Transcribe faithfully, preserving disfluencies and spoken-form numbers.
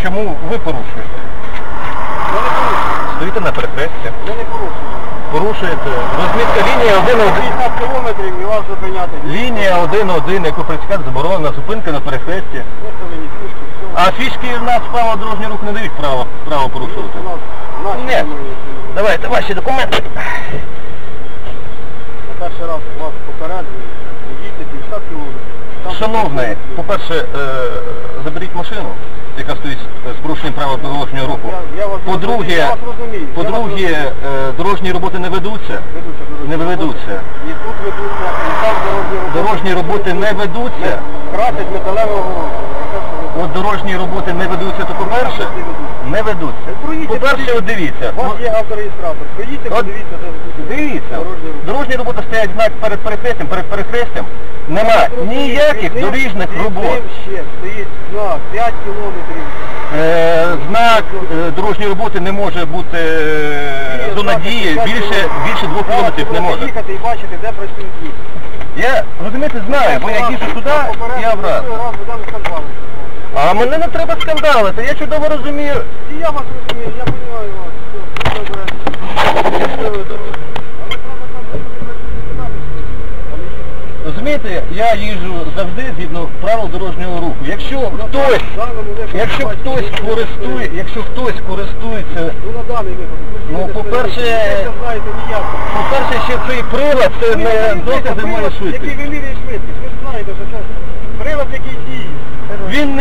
чому ви порушуєте? Я не порушую. Стоїте на перехресті. Я не порушую. Порушуєте. Розмітка лінія один один. п'ятдесят кілометрів і вас зупиняти. Лінія один один, яку працює заборонена, зупинка на перехресті. Виставлені фішки, все. А фішки в нас право дорожнього руху не дають право, право порушувати. У нас наші Ні. немає. Давайте ваші документи. На перший раз вас попереджую, їдьте п'ятдесят кілометрів. Там Шановний, по-перше, е, заберіть машину, яка стоїть з порушенням правил дорожнього руху. Я- я вас розумію, По-друге, я вас розумію, я вас по-друге, розумію. е, дорожні роботи не ведуться. Ведуться, Не ведуться. І тут ведуться, і там дорожні роботи. Дорожні роботи не ведуться. Красять металеве огорожу. От дорожні роботи не ведуться, то по-перше, не ведуться. По-перше, от дивіться. У вас є автореєстратор. Приїдьте, От подивіться, де Дивіться, дорожні роботи. дорожні роботи стоять знак перед перехрестям, перед перехрестям. Нема ніяких Під ним- дорожніх під робот. ним ще стоїть знак п'ять кілометрів. Е, знак е, дорожньої роботи не може бути е, зона дії більше, більше двох кілометрів не може. Їхати і бачити, де працюють діти. Я, розумієте, знаю, бо я їжджу туди і обратно. А мене не треба скандалити, я чудово розумію. І я вас розумію, я розумію вас. Все, все добре. Але треба там Розумієте, я їжджу завжди згідно правил дорожнього руху. Якщо хтось, якщо хтось користує, якщо хтось користується, Ну на даний випадок. Ну, по-перше, ви не знаєте ніяк. по-перше, ще цей прилад, це не докази моєї Який швидкості. вимірює швидкість, ви ж знаєте, що це прилад, який